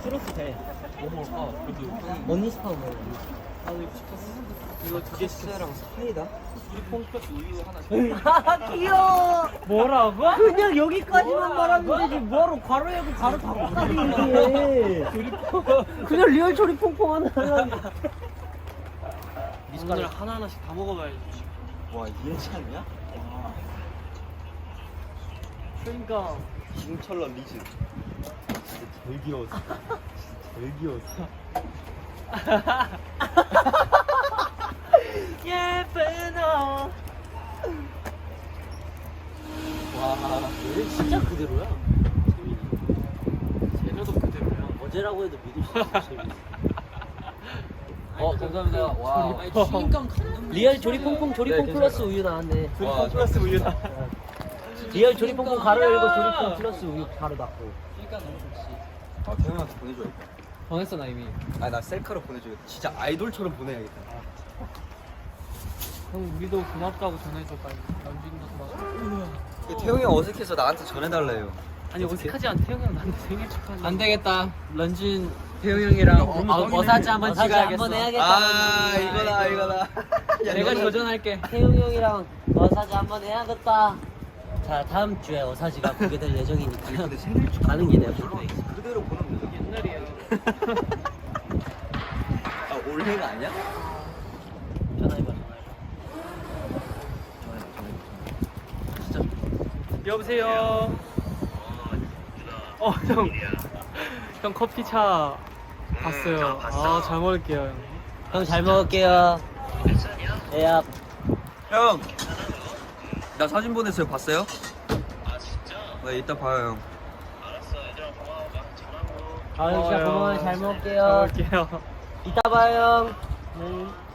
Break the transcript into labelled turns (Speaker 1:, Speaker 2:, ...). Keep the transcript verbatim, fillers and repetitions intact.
Speaker 1: 추러스 돼.
Speaker 2: 뭐 먹을까? 그래도
Speaker 1: 언니 스파 먹어.
Speaker 2: 나도 이거 시켰어. 이거 두 개 시켰어.
Speaker 3: 랑 사이다?
Speaker 2: 우리 콩팥 우유 하나 시켰어.
Speaker 1: 귀여워.
Speaker 2: 뭐라고?
Speaker 1: 그냥 여기까지만 말하면 되지. 뭐하러 괄호 열고 괄호 닫고까지 얘기해. 그냥 리얼 조리 퐁퐁 하나 하려고.
Speaker 2: 오늘 하나하나씩 다 먹어봐야지.
Speaker 3: 와 이해지 않냐?
Speaker 2: 그러니까
Speaker 3: 징철러 리즈 진짜 제일 귀여웠어 진짜 제일 귀여웠어
Speaker 1: 예쁜 너. 와, 얘는 진짜 그대로야.
Speaker 2: 쟤네도 그대로야.
Speaker 1: 어제라고 해도 믿을 수 있어. 재밌어.
Speaker 3: 어 감사합니다 와
Speaker 1: 리얼 조리 퐁퐁 조리퐁
Speaker 3: 네,
Speaker 1: 플러스 우유 나왔네.
Speaker 3: 와,
Speaker 2: 플러스 우유다.
Speaker 1: 리얼 조리 퐁퐁 가로 열고 조리퐁 플러스 우유 가로 닫고.
Speaker 3: 아 태형한테 보내줘야겠다
Speaker 2: 정했어 나 이미.
Speaker 3: 아니 나 셀카로 보내줘야겠다 진짜 아이돌처럼 보내야겠다
Speaker 2: 형 우리도 고맙다고 전해줘 빨리. 연준이도 고맙다.
Speaker 3: 태형이 형 어색해서 나한테 전해달래요
Speaker 2: 아니 어색하지 않아. 태형 형 나한테 생일 축하한다.
Speaker 4: 안 되겠다. 런쥔 태용 형이랑 어, 어, 어사지 한번
Speaker 1: 어사지
Speaker 4: 찍어야겠어.
Speaker 1: 한번 해야겠다.
Speaker 3: 아 이거다 이거다
Speaker 4: 내가 도전할게.
Speaker 1: 태용 형이랑 어사지 한번 해야겠다. 자, 다음 주에 어사지가 공개될 예정이니까
Speaker 3: 근데 생일
Speaker 1: 가는 길에
Speaker 3: 그대로 보내면 되죠
Speaker 2: 옛날이야.
Speaker 3: 아 올해가 아니야?
Speaker 1: 전화해봐.
Speaker 2: 여보세요. 어 형. 형 커피차 봤어요. 아 잘 먹을게요 형.
Speaker 1: 형 잘 먹을게요. 예야.
Speaker 3: 형! 나 사진 보냈어요 봤어요? 아 진짜? 네 이따 봐요 형
Speaker 1: 아, 형 진짜
Speaker 2: 고마워요.
Speaker 1: 고마워요. 잘 먹을게요.
Speaker 2: 잘 먹을게요.
Speaker 1: 이따 봐요. 네.